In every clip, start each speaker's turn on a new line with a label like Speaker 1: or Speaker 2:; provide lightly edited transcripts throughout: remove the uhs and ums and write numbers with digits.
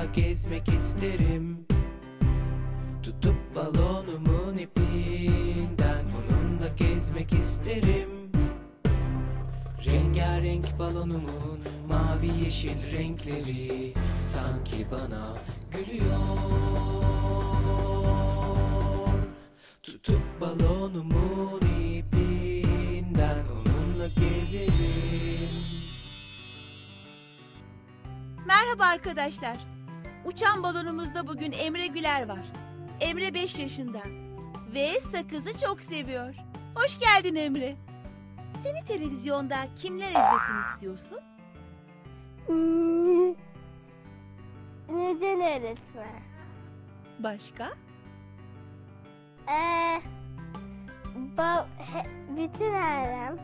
Speaker 1: gezmek isterim. Tutup balonumun ipinden onunla gezmek isterim. Rengarenk balonumun mavi yeşil renkleri sanki bana gülüyor. Tutup balonumun ipinden onunla gezerim.
Speaker 2: Merhaba arkadaşlar. Uçan balonumuzda bugün Emre Güler var. Emre 5 yaşında ve sakızı çok seviyor. Hoş geldin Emre. Seni televizyonda kimler izlesin istiyorsun?
Speaker 3: Neden öğretmen?
Speaker 2: Başka?
Speaker 3: Bütün ailem,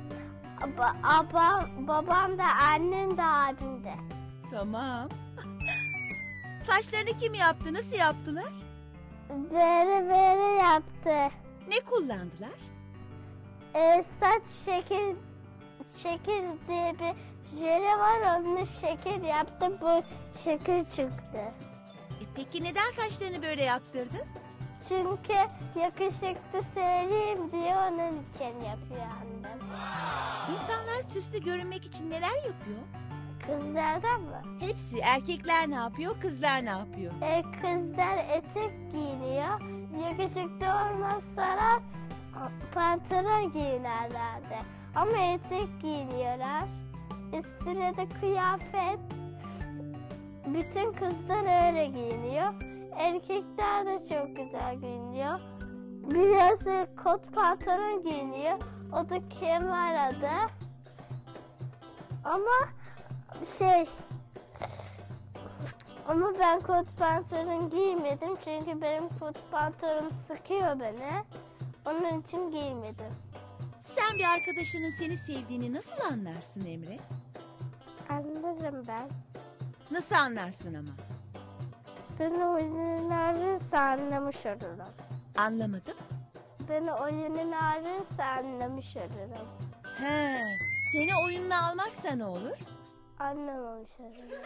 Speaker 3: babam da, annem de, abim de.
Speaker 2: Tamam. Saçlarını kim yaptı? Nasıl yaptılar?
Speaker 3: Böyle yaptı.
Speaker 2: Ne kullandılar?
Speaker 3: Saç şekil diye bir jöle var, onu şekil yaptı, bu şekil çıktı.
Speaker 2: Peki neden saçlarını böyle yaptırdın?
Speaker 3: Çünkü yakışıklı söyleyeyim diye onun için yapıyor annem.
Speaker 2: İnsanlar süslü görünmek için neler yapıyor?
Speaker 3: Kızlardan mı?
Speaker 2: Hepsi. Erkekler ne yapıyor, kızlar ne yapıyor?
Speaker 3: Kızlar etek giyiniyor. Yakışıklı olmazsalar pantolon giyinirlerdi. Ama etek giyiniyorlar. Üstüne de kıyafet. Bütün kızlar öyle giyiniyor. Erkekler de çok güzel giyiniyor. Biraz kot pantolon giyiniyor. O da kemer adı. Ama ben kot pantolon giymedim çünkü benim kot pantolonum sıkıyor beni. Onun için giymedim.
Speaker 2: Sen bir arkadaşının seni sevdiğini nasıl anlarsın Emre?
Speaker 3: Anlarım ben.
Speaker 2: Nasıl anlarsın ama?
Speaker 3: Beni oyunun ararsa anlamış olurum.
Speaker 2: Anlamadım.
Speaker 3: Beni oyunun ararsa anlamış olurum.
Speaker 2: He, seni oyununa almazsa ne olur?
Speaker 3: Anlamamış olurum.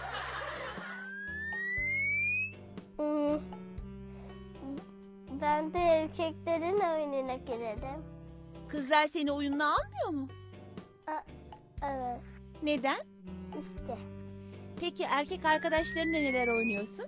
Speaker 3: Ben de erkeklerin oyununa girerim.
Speaker 2: Kızlar seni oyununa almıyor mu?
Speaker 3: Evet.
Speaker 2: Neden?
Speaker 3: İşte.
Speaker 2: Peki erkek arkadaşlarınla neler oynuyorsun?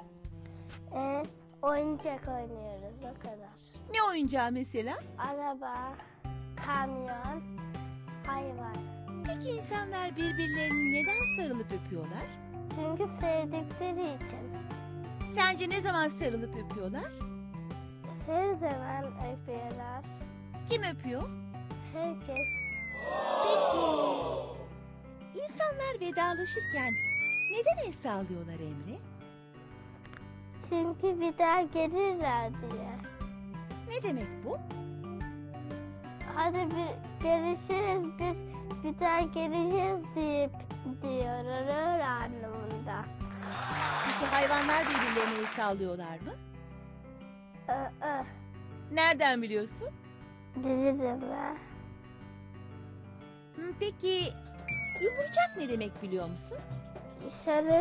Speaker 3: Oyuncak oynuyoruz, o kadar.
Speaker 2: Ne oyuncağı mesela?
Speaker 3: Araba, kamyon, hayvan.
Speaker 2: Peki insanlar birbirlerini neden sarılıp öpüyorlar?
Speaker 3: Çünkü sevdikleri için.
Speaker 2: Sence ne zaman sarılıp öpüyorlar?
Speaker 3: Her zaman öpüyorlar.
Speaker 2: Kim öpüyor?
Speaker 3: Herkes.
Speaker 2: Peki insanlar vedalaşırken neden el sallıyorlar Emre?
Speaker 3: Çünkü bir daha gelirler diye.
Speaker 2: Ne demek bu?
Speaker 3: Hadi görüşürüz, biz bir daha geleceğiz diyorlar anlamında.
Speaker 2: Peki hayvanlar birbirlerine el sallıyorlar mı? Nereden biliyorsun?
Speaker 3: Bilirim ben.
Speaker 2: Peki yumurcak ne demek biliyor musun?
Speaker 3: Şöyle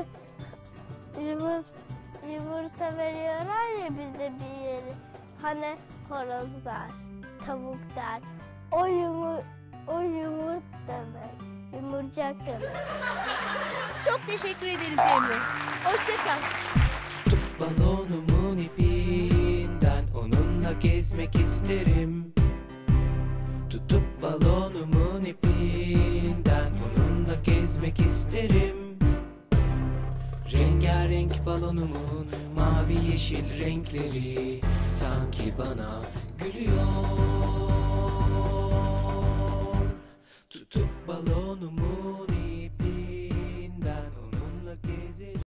Speaker 3: yumurta veriyorlar ya bize bir yeri. Hani horozlar, tavuklar. O yumurt demek. Yumurcak demek.
Speaker 2: Çok teşekkür ederiz Emre. Hoşça kal.
Speaker 1: Tutup balonumun ipinden onunla gezmek isterim. Tutup balonumun ipinden onunla gezmek isterim. Rengarenk balonumun mavi yeşil renkleri sanki bana gülüyor. Tutup balonumun